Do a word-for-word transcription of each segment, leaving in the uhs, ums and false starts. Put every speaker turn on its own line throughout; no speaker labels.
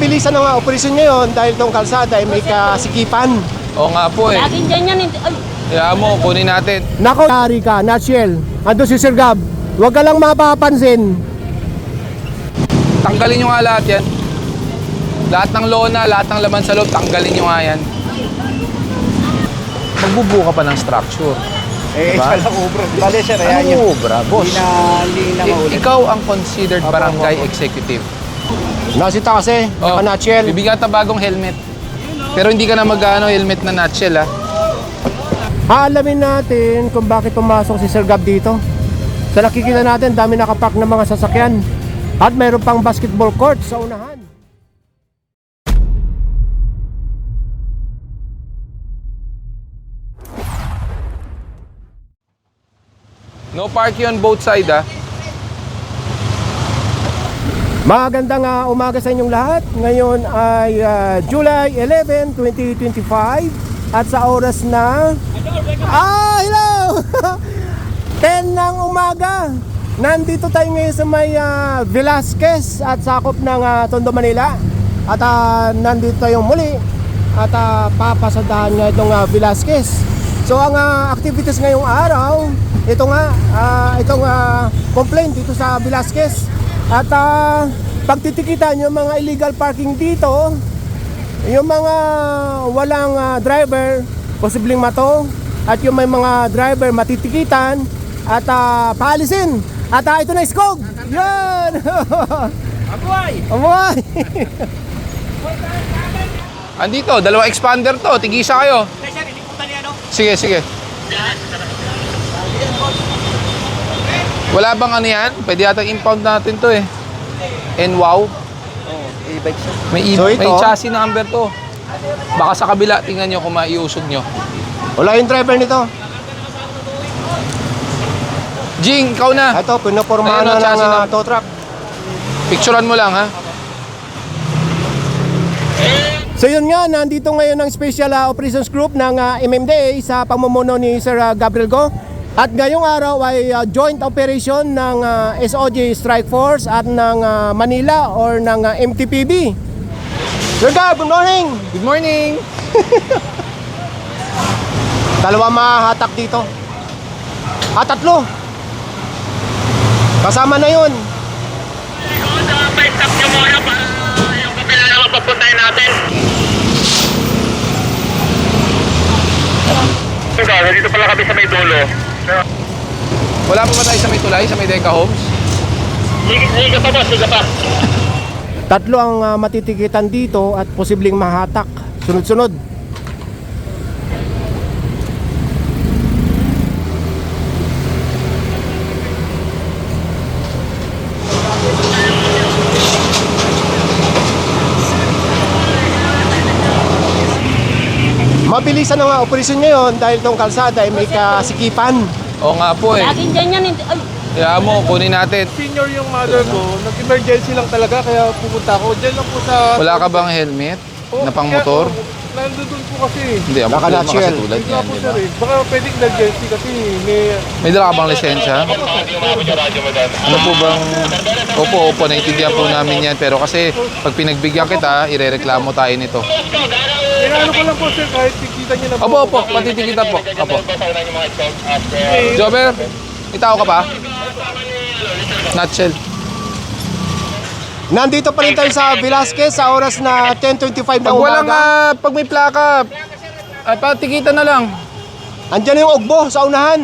Mabilisan ang operasyon ngayon dahil itong kalsada ay may kasikipan.
Oo nga po eh.
Laging dyan yan. hindi- Ay,
Kaya mo, kunin natin.
Nako, Ari ka, nutshell. Ando si Sir Gab. Huwag ka lang mapapansin.
Tanggalin nyo nga lahat yan. Lahat ng lona, lahat ng laman sa loob, tanggalin nyo nga yan. Magbubuo ka pa ng structure.
Eh,
Diba?
pala ubro. Bale, sir, ayan
Ano
yun.
obra, boss?
Hindi na, hindi na
I-
maulit.
ikaw ang considered
Apo,
barangay
apo, apo.
executive.
Nasita kasi,
Oh,
naka-nutshell.
bibigyan ka bagong helmet. Pero hindi ka na mag-ano, helmet na nutshell ha.
Aalamin natin kung bakit pumasok si Sir Gab dito. Sa nakikita natin, dami nakapark ng mga sasakyan. At mayroon pang basketball court sa unahan.
No parking on both side ha.
Magandang uh, umaga sa inyong lahat. Ngayon ay uh, July eleventh, twenty twenty-five. At sa oras na... Ah, hello! ten ng umaga. Nandito tayo ngayon sa may uh, Velasquez at sakop ng uh, Tondo, Manila. At uh, nandito tayo muli at uh, papasadahan nga itong uh, Velasquez. So ang uh, activities ngayong araw, ito nga, uh, itong uh, complaint dito sa Velasquez. At uh, pagtitikitan yung mga illegal parking dito, yung mga walang uh, driver, posibleng mato, at yung may mga driver matitikitan at uh, paalisin. At uh, ito na iskog. Yan!
Abuay!
Amoy!
Andito, dalawang expander to. Tigisa kayo.
Sir, hindi punta niya, no?
Sige, sige. Wala bang ano yan? Pwede yata impound natin to eh. And wow.
Oo, e-bike siya.
May, i-
So ito-
may chassis number to. Baka sa kabila, tingnan nyo kung maiusog nyo.
Wala yung driver nito.
Jing, ikaw na.
Ito, pinapormahan
Ayun,
na
ang
ng
chassis
uh,
na-
tow truck.
Picturean mo lang ha.
So yun nga, nandito ngayon ang Special uh, Operations Group ng uh, M M D A sa pamumuno ni Sir uh, Gabriel Go. At ngayong araw ay uh, joint operation ng uh, S O G Strike Force at ng uh, Manila or ng uh, M T P B. Sir Gab, good morning!
Good morning.
Dalawa mahatak dito. Ah, tatlo. Kasama na yun.
Pa-stop nyo muna para yung kapila naman papuntahin natin. Ito, dito pala kami sa may dulo.
Wala pa ba tayo sa may tulay, sa may Deca Homes?
Sige, sige pa boss, sige pa.
Tatlo ang uh, matitikitan dito at posibleng mahatak. Sunod-sunod. Mabilisan ang operasyon ngayon dahil itong kalsada ay may kasikipan.
Oo nga po eh.
laging dyan yan. hindi- Ay,
Kaya mo, kunin natin.
Senior yung mother ko, nag-emergency lang talaga, kaya pupunta ako. Diyan lang po sa...
Wala ka bang helmet
Oh,
na pang
kaya-
motor?
oh, Nandun po kasi.
Hindi, ang
Baka
motor
nutshell.
kasi tulad
Hindi
yan,
po
di
sir
ba?
eh. Baka pwedeng emergency kasi may...
May dala ka bang lisensya? Ano po bang... Opo, opo, naintindihan po namin yan. Pero kasi pag pinagbigyan kita, irereklamo tayo nito.
Inaano ko lang po sir, kahit tikita niyo na po.
Opo, opo, patitikita po. Opo. Jobber, may tao ka pa? Nutshell.
Nandito pa rin tayo sa Velasquez sa oras na ten twenty-five ng
Pag walang,
umaga.
ah, pag may plaka, ay patikita na lang.
Andyan yung ugbo sa unahan.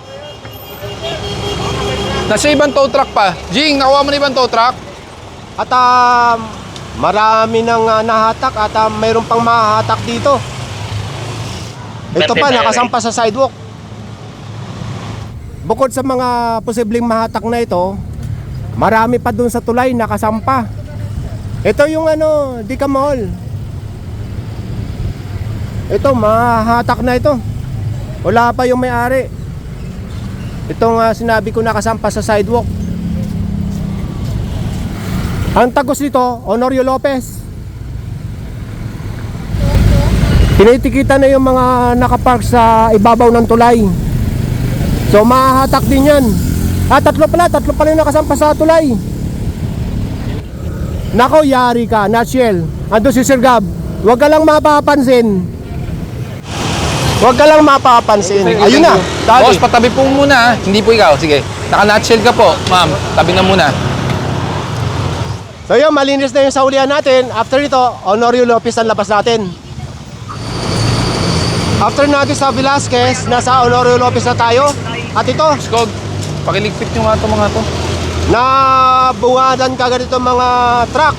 Nasa ibang tow truck pa. Jing, nakuha mo na ibang tow truck?
At ah, marami nang ah, nahatak at ah, mayroon pang mahahatak dito. Ito pa, nakasampa sa sidewalk. Bukod sa mga posibleng mahatak na ito, marami pa dun sa tulay nakasampa. Ito yung ano, Deca Mall. Ito, mahahatak na ito. Wala pa yung may-ari. Itong uh, sinabi ko nakasampa sa sidewalk. Ang tagos nito, Honorio Lopez. Tinitikita na yung mga nakapark sa ibabaw ng tulay. So mahahatak din yan. Ah, tatlo pala, tatlo pala yung nakasampa sa tulay. Nako, yari ka, nutshell. Ando si Sir Gab. Huwag ka lang mapapansin. Huwag ka lang mapapansin. Ayun na. Dali.
Boss, patabi po muna. Hindi po ikaw. Sige. Naka-nutshell ka po, ma'am. Tabi na muna.
So yun, malinis na yung saulian natin. After ito, Honorio Lopez ang labas natin. After natin sa Velasquez, nasa Honorio Lopez na tayo. At ito,
Skog, pakiligpit nyo nga ito mga to.
na bungadan kagad itong mga truck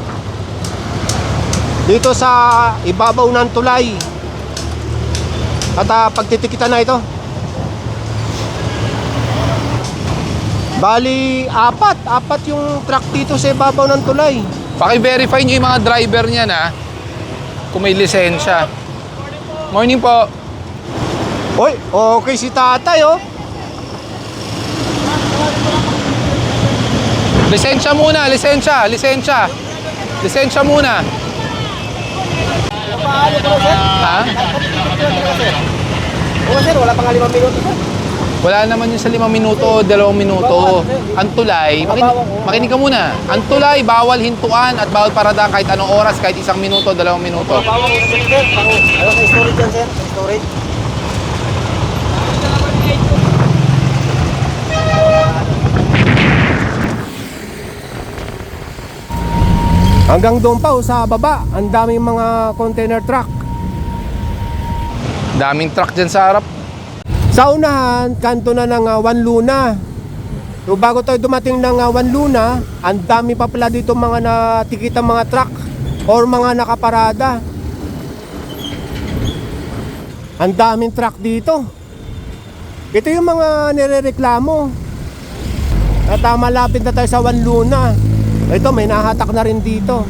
dito sa ibabaw ng tulay. At uh, pagtitikitan na ito. Bali, apat. Apat yung truck dito sa ibabaw ng tulay.
Paki-verify nyo yung mga driver niya na kung may lisensya. Morning po.
Oy, okay si tatay oh.
Lisensya muna, lisensya, lisensya. Lisensya muna. Ha?
Oo sir, wala pang limang minuto sir.
Wala naman yun sa limang minuto, dalawang minuto. Ang tulay, makin makinig ka muna. Ang tulay, bawal hintuan at bawal paradaan kahit anong oras, kahit isang minuto, dalawang minuto.
Ano sa storage yan sir? Storage? Hanggang doon pa oh, sa baba, ang daming mga container truck.
Daming truck dyan sa harap.
Sa unahan, kanto na ng uh, One Luna. So bago tayo dumating ng uh, One Luna, ang dami pa pala dito mga natikitang mga truck or mga nakaparada. Ang daming truck dito. Ito yung mga nirereklamo. At uh, malapit na tayo sa One Luna. Ito, may nahatak na rin dito.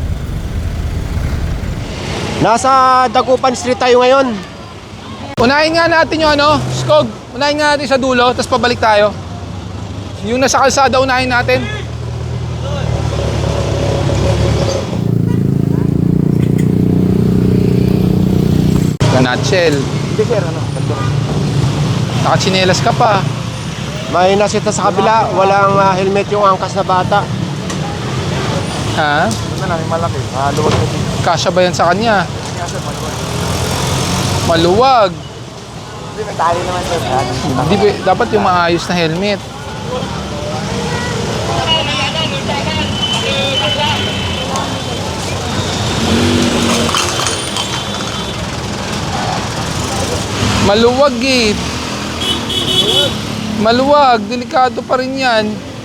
Nasa Dagupan Street tayo ngayon.
Unahin nga natin yung ano, Skog. Unahin nga natin sa dulo, tapos pabalik tayo. Yung nasa kalsada, unahin natin. Nutshell.
Hindi sir, ano?
Nakachinelas ka pa.
May nasita sa kabila, walang uh, helmet yung angkas na bata.
Ha?
Ito na, may malaki. Ah, luwag na dito.
Kasya ba yan sa kanya? Maluwag.
Hindi, may tali naman sir.
Di, ba- dapat yung maayos na helmet. Maluwag eh. Maluwag. Delikado pa rin yan.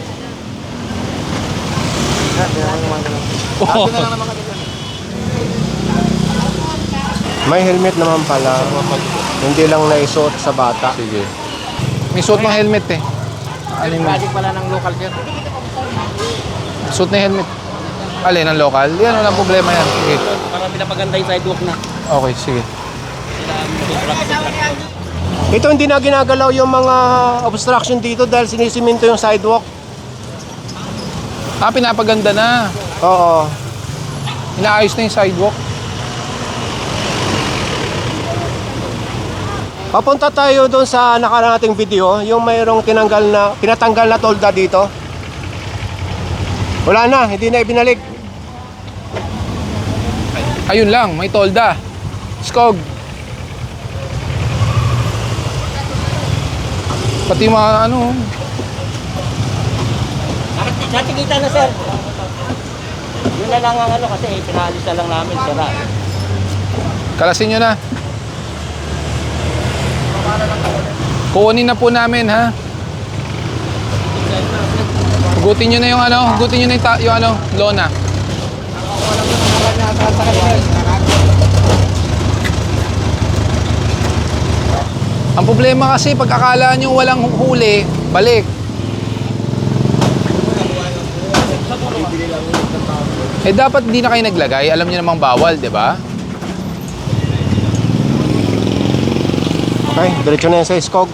Oh.
May helmet naman pala. Hindi lang naisuot sa bata.
Sige. May suot ng helmet eh. Ano yung
pala ng local sir.
suot na helmet? Alin, ang local? Yan, walang problema yan. Sige.
Para pinapaganda yung sidewalk na.
Okay, sige.
Ito hindi na ginagalaw yung mga obstruction dito dahil sinisiminto yung sidewalk.
Ah, pinapaganda na.
Oo.
Inaayos na yung sidewalk.
Papunta tayo doon sa nakaraan nating video, yung mayroong tinanggal na, pinatanggal na tolda dito. Wala na, hindi na ibinalik.
Ayun lang, may tolda. Skog. Pati mga ano.
Natikita na sir. Yun na lang ang ano kasi pinaalis na lang namin sira.
Kalasin nyo na. Kukunin na po namin ha. Hugutin nyo na yung ano, hugutin nyo na yung, ta- yung ano, lona. Ang problema kasi pag akala nyo walang huli, balik. Eh dapat hindi na kayo naglagay, alam nyo namang bawal, di ba?
Okay, diretso na yan sa Skog.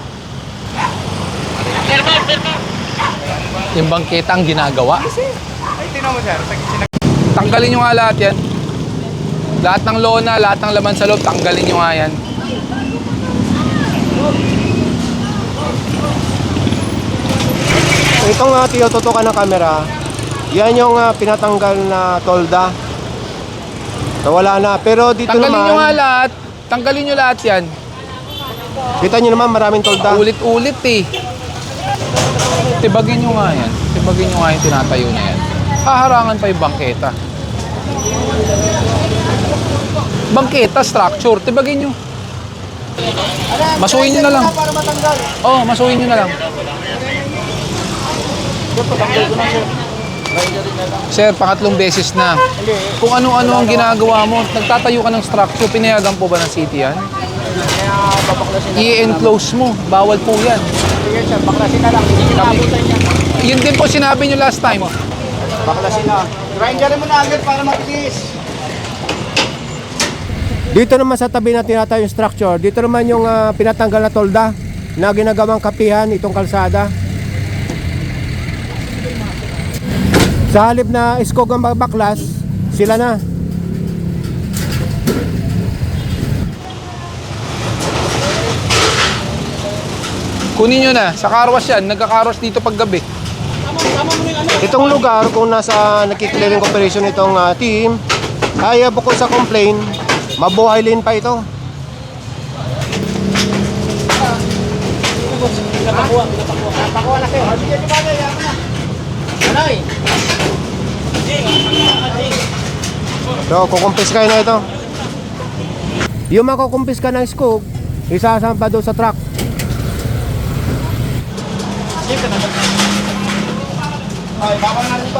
Yung bangketa ang ginagawa.
Ay, tinan mo sir.
Tanggalin nyo nga lahat yan. Lahat ng lona, lahat ng laman sa loob, tanggalin nyo nga yan.
Itong uh, tinututukan ng camera, Yan yung ah, pinatanggal na tolda. So wala na. Pero dito
Tanggalin
naman,
nyo nga lahat. Tanggalin nyo lahat yan.
kita nyo naman maraming tolda.
Ulit-ulit eh. Tibagin nyo nga yan. Tibagin nyo nga yung tinatayo na yan. Haharangan pa yung bangketa. Bangketa, structure. Tibagin nyo. Masuhin nyo na lang. Oo, oh, masuhin nyo na lang. Sir, pangatlong beses na. Kung ano-ano ang ginagawa mo, nagtatayo ka ng structure, pinayagan po ba ng city yan? I-enclose mo. Bawal po yan.
Sige sir, baklasin na lang. Hindi nyo naabutan yan.
Yun din po sinabi nyo last time.
Baklasin na. Grinderin mo na agad para matiis.
Dito naman sa tabi na tinatayo yung structure, dito naman yung ah, pinatanggal na tolda na ginagawang kapihan itong kalsada. Sa halip na iskog ang baklas, sila na.
Kunin nyo na. Sa carwash yan. Nagka-carwash dito pag gabi.
Itong lugar kung nasa nakiklearing operation itong ah, team, ay ah, bukod sa complain, mabuhay din pa ito.
Napakuha na sir. Sige, di ba na yan na. Anay.
So, kukumpis kayo na ito. Yung makukumpis ka ng scoop, isasampa doon sa truck.
Ay, bawal na rin to.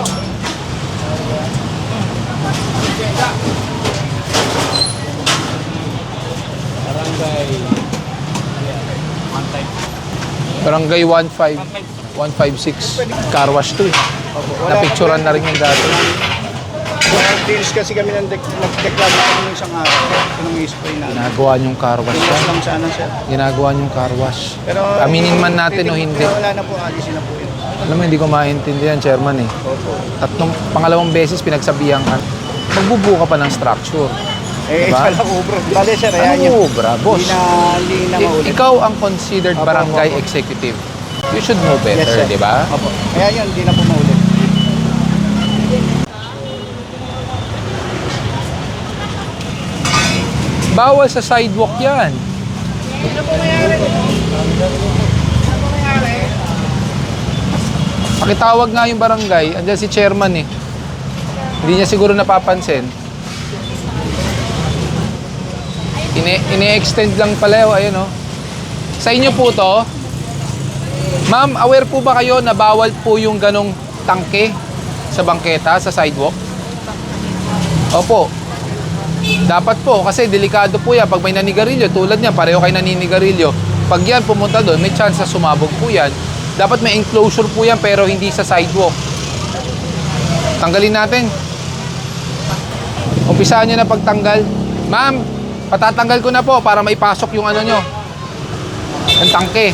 Barangay one five one five six. Carwash to eh. Napicturean na rin yung dati.
Nag-deals kasi kami ng dek- nag-declare kami ng isang araw. Anong i-spray na.
Ginagawa niyong carwash
Pinas
yan.
lang sana sir.
Ginagawa niyong carwash.
Pero
Aminin man natin o
titig-
hindi.
Pero wala na po, alisin na po yun.
Alam mo, hindi ko maintindihan, chairman eh. Tatlong, pangalawang beses pinagsabihan ka. Magbubuo ka pa ng structure.
Eh,
Diba?
pala ko bro. Bale sir, ayan yun.
Ano, bra, boss?
Hindi na, hindi na
I-
maulit.
ikaw ang considered
Opo,
barangay
opo, opo.
executive. You should know
Yes,
better,
sir.
di ba?
Opo. Ayan yun, hindi na po maulit.
Bawal sa sidewalk yan. Pakitawag nga yung barangay. Andiyan si chairman eh. Hindi niya siguro napapansin. Ine- Ine-extend lang pala yun. Ayun oh. Sa inyo po to. Ma'am, aware po ba kayo na bawal po yung ganong tangke sa bangketa, sa sidewalk? Opo. Dapat po, kasi delikado po yan. Pag may naninigarilyo, tulad niya, pareho kayo naninigarilyo. Pag yan pumunta doon, may chance na sumabog po yan. Dapat may enclosure po yan, pero hindi sa sidewalk. Tanggalin natin. Umpisaan nyo na pagtanggal. Ma'am, patatanggal ko na po para maipasok yung ano nyo. Yung tangke.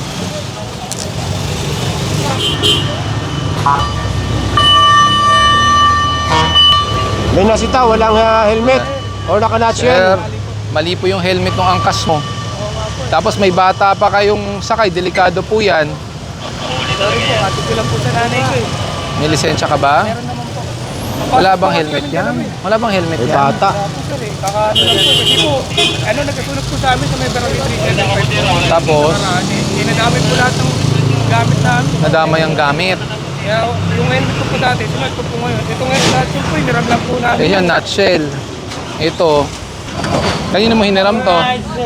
May nasita, walang ah, helmet or naka-notch
Sir,
yan.
mali po yung helmet ng angkas mo. Tapos may bata pa kayong sakay, delikado po yan.
Sorry po, ate ko lang po sa nanay ko eh.
May lisensya ka ba? Wala bang helmet yan? Wala bang helmet
May
yan?
bata.
Opo sir eh, kakaano lang po. Kasi po, ano, nagkasunod po sa amin sa may barangay three seventy-five.
Tapos,
Marami. Dinadamay po lahat ng gamit namin.
nadamay ang gamit.
Kaya yung helmet ko po dati, sunod ko po ngayon. Ito ngayon, lahat yun po, hiniram lang po namin.
Yan, nutshell. Ito. Kanina mo hiniram to.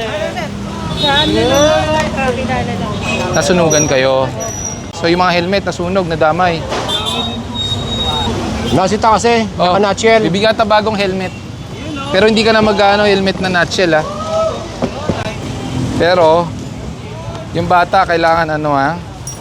Nasunugan kayo. So yung mga helmet nasunog, nadamay.
Nasita kasi,
Oh,
naka-notch yan.
bibigyan kita bagong helmet. Pero hindi ka na mag-ano, helmet na nutshell ha. Pero, yung bata, kailangan ano ha.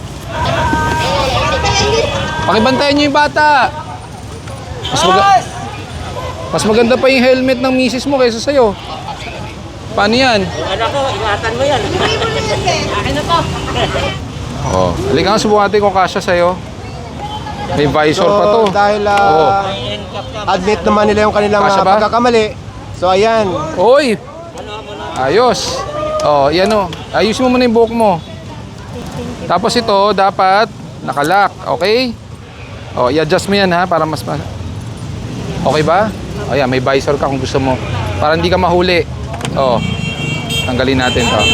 Pakibantayan nyo yung bata. Mas, maga- mas maganda pa yung helmet ng misis mo kaysa sa'yo. Paano yan?
Yung anak ko, ingatan mo yan. Akin na to.
Oh, halika nga, subukan natin kung kasya sa'yo. May visor pa to.
So, dahil ah,
Oo.
admit naman nila yung kanilang
Kasya
ah,
ba?
pagkakamali. So, ayan.
Oy! Ayos. Oh, yan o. Ayusin mo muna yung buhok mo. Tapos ito, dapat nakalock. Okay? Oh, i-adjust mo yan ha, para mas... ma- Okay ba? O yan, may visor ka kung gusto mo. Para hindi ka mahuli. Oh, tanggalin natin to.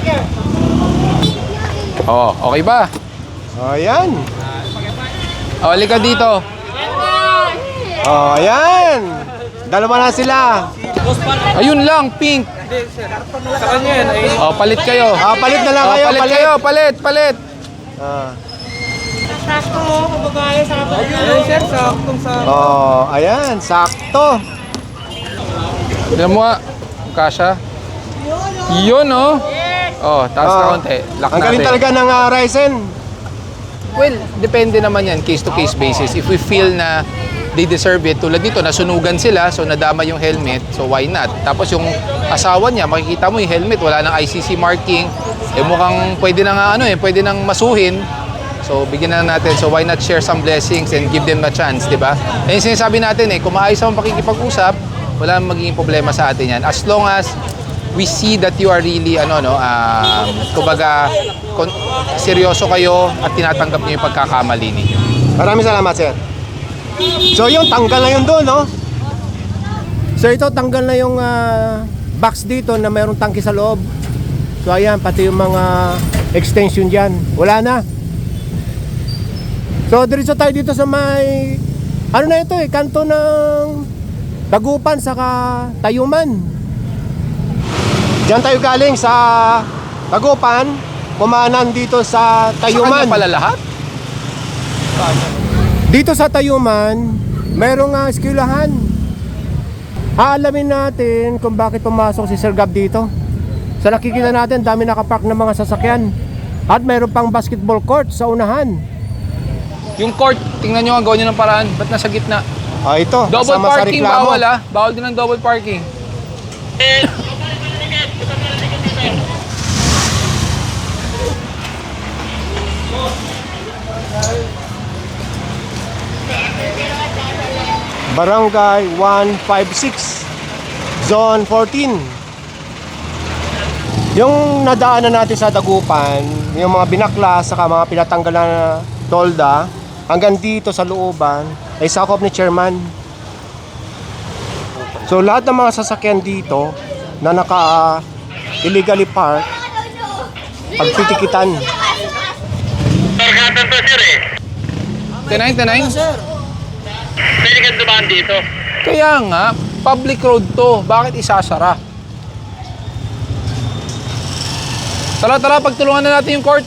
Oh, okay ba?
Oh, ayan.
O, halika dito.
Oh, ayan. Dalawa na sila.
Ayun lang, pink. Oh, palit kayo.
Ah, palit na lang
Oh,
kayo.
palit kayo, palit, palit.
Ah.
Sakto mo, kababae sa kababae.
Oh, ayan. Sakto.
Tignan mo nga. Kasha. Yun, oh. Oh, taas na
Ah,
konti. Lock
ang galing
natin.
talaga ng uh, Ryzen.
Well, depende naman yan, case to case basis. If we feel na they deserve it, tulad nito, nasunugan sila, so nadama yung helmet, so why not? Tapos yung asawa niya, makikita mo yung helmet, wala nang I C C marking, eh mukhang pwede na nga ano eh, pwede nang masuhin. So bigyan na natin, so why not share some blessings and give them a chance, di ba? Eh yung sinasabi natin eh, kung maayos ang pakikipag-usap, wala nang magiging problema sa atin yan. As long as we see that you are really ano no um, kumbaga kon- seryoso kayo at tinatanggap niyo yung pagkakamali ninyo.
Maraming salamat, sir. So yung tanggal na yun doon, no? So ito, tanggal na yung ah, box dito na mayroong tangke sa loob. So ayan, pati yung mga extension dyan. Wala na. So diretso tayo dito sa may, ano na ito eh, kanto ng Dagupan saka Tayuman. Diyan tayo galing sa Dagupan, kumanan dito sa
Sa
Tayuman.
kanya pala lahat?
Dito sa Tayuman, merong uh, eskwelahan. Aalamin natin kung bakit pumasok si Sir Gab dito. Sa nakikita natin, dami nakapark ng mga sasakyan. At meron pang basketball court sa unahan.
Yung court, tingnan nyo ang gawin nyo ng paraan. Ba't nasa gitna?
Ah, ito,
Double
kasama sa
parking,
reklamo.
bawal ah. Bawal din ang double parking.
Barangay one fifty-six, Zone fourteen. Yung nadaanan natin sa Dagupan, yung mga binaklas, saka mga pinatanggal na tolda, hanggang dito sa looban, ay sakop ni Chairman. So lahat ng mga sasakyan dito na naka illegally park, pagtitikitan.
Targatan to, sir eh.
Tenay, tenay.
Pwede ka dumaan dito.
Kaya nga, public road to. Bakit isasara? Tara, tara, pagtulungan na natin yung court.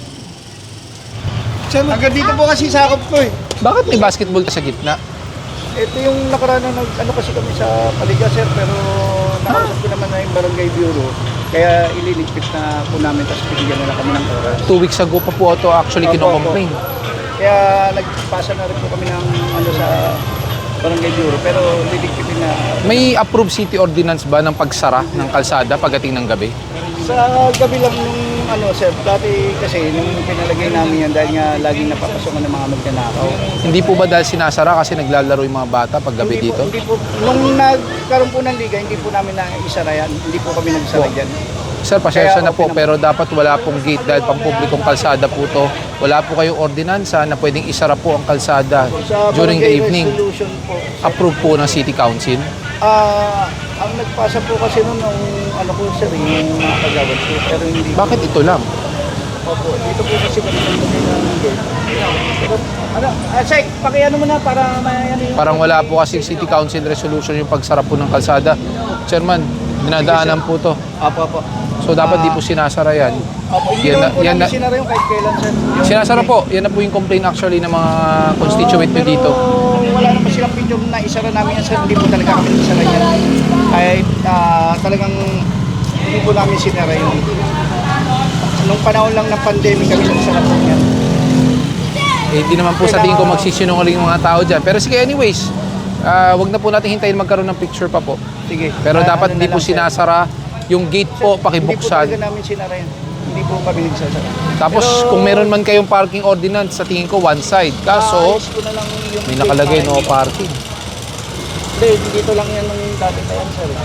Hanggang dito po kasi sakop ko eh.
Bakit may basketball sa gitna?
Ito yung nakaraan na nag, ano kasi kami sa Paliga, sir, pero nakausap ko naman na yung barangay bureau. Kaya ililigpit na po namin, tapos bigyan na lang kami ng oras.
Two weeks ago pa po ito actually
Opo,
kinocomplain.
Kaya nagpasa na rin po kami ng ano sa barangay bureau, pero liligpitin na.
May approved city ordinance ba ng pagsara ng kalsada pagdating ng gabi?
Sa gabi lang nung ano, sir, dati kasi nung pinalagay namin yan dahil nga laging napapasokan ng mga magnanakaw.
Hindi po ba dahil sinasara kasi naglalaro yung mga bata pag gabi
Hindi po,
dito?
hindi po, nung nagkaroon po ng liga, hindi po namin na isara yan. Hindi po kami nagsara dyan.
Sir, pasensya
Kaya
na po,
okay naman.
pero dapat wala pong gate dahil pampublikong kalsada po to. Wala po kayong ordinansa na pwedeng isara po ang kalsada
Sa
during the
barangay
evening.
resolution po, sir,
Approved po ng City Council.
ah, ang nagpasa po kasi nun nung ano po, sir, yung mga kagawad po, pero hindi.
Bakit ito lang?
Opo, dito po kasi kami ng gate. Pero, ano, ah, Sek, pakiano mo na para may ano yung...
Parang wala po kasi City Council resolution yung pagsara po ng kalsada. Chairman, dinadaanan po to.
Opo, opo.
So dapat di po sinasara yan.
Opo, hindi
Yan
naman
na-
po
yan
namin
na-
sinara yung kahit kailan, sir. Yung-
Sinasara po, yan na po yung complaint actually ng mga constituent nyo
pero
dito.
wala naman silang video na isara namin yan, sir. Hindi po talaga kami isara yan. Kahit ah, talagang hindi po namin sinara yun. Nung panahon lang ng pandemic kami nagsara po yan.
Eh, di naman po sa tingin ko magsisinungaling yung mga tao dyan. Pero sige, anyways, ah, wag na po natin hintayin magkaroon ng picture pa po.
Sige.
Pero
Ah,
dapat
ano
hindi
na
po
lang, sir.
sinasara. Yung gate po,
Hindi po
pakibuksan.
talaga namin sinara yan. Hindi po kami nagsasara.
Tapos
Pero,
kung meron man kayong parking ordinance, sa tingin ko one side. Kaso,
ayos ko na lang yung
may nakalagay
gate
no
para-
parking.
Hindi, dito lang yan nung dati pa yan, sir.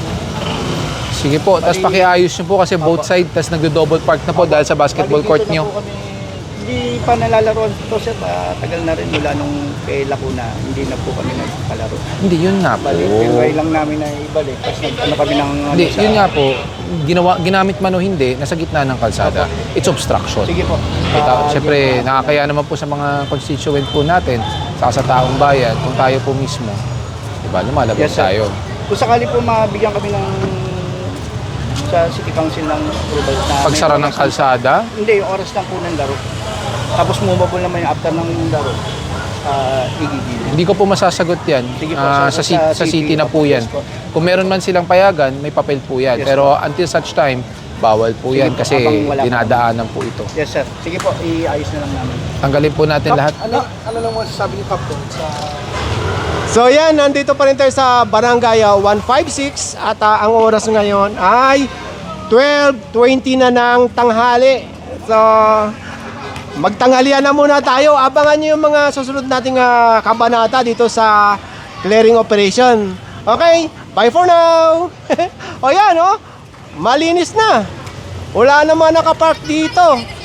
Sige po, tapos pakiayos nyo po kasi both side, tapos nagdo-double park na po dahil sa basketball
Bali,
court
dito na
nyo.
po kami- Hindi hindi pa nalalaro ito sir, ah, tagal na rin mula nung kay Lacuna, hindi na po kami nagpalaro.
Hindi, yun nga po.
Balik, tinry lang namin na ibalik. Tapos nag, ano kami ng... ano
Hindi,
sa-
yun nga po. Ginawa, ginamit man o hindi, nasa gitna ng kalsada. It's obstruction.
Sige po.
Kita,
Ah,
Siyempre, nakakaya naman po sa mga constituent po natin, saka sa taong bayan, kung tayo po mismo, diba, lumalabas
Yes, sir.
tayo.
Kung sakali po mabigyan kami ng sa City Council ng approval na
Pagsara
may
ng
oras-
kalsada,
Hindi, yung oras lang po ng laro. Tapos movable naman yung after ng laro. Uh, igigil.
hindi ko po masasagot yan.
Sige po,
Ah,
sa-
sa, ci-
sa
sa city
city
na po yan.
yes po.
Kung meron man silang payagan, may papel po yan.
Yes
Pero until such time, bawal po
Sige
yan
po,
kasi
habang wala pa.
dinadaanan po ito.
Yes sir. Sige po, iayos na lang namin.
Tanggalin po natin lahat.
Ano, ano lang mo sasabi ni Captain sa...
So yan, nandito pa rin tayo sa Barangay ah, one fifty-six at ah, ang oras ngayon ay twelve twenty na ng tanghali. So magtanghalian na muna tayo. Abangan nyo yung mga susunod nating ah, kabanata dito sa clearing operation. Okay, bye for now. O yan, oh, malinis na. Wala naman nakapark dito.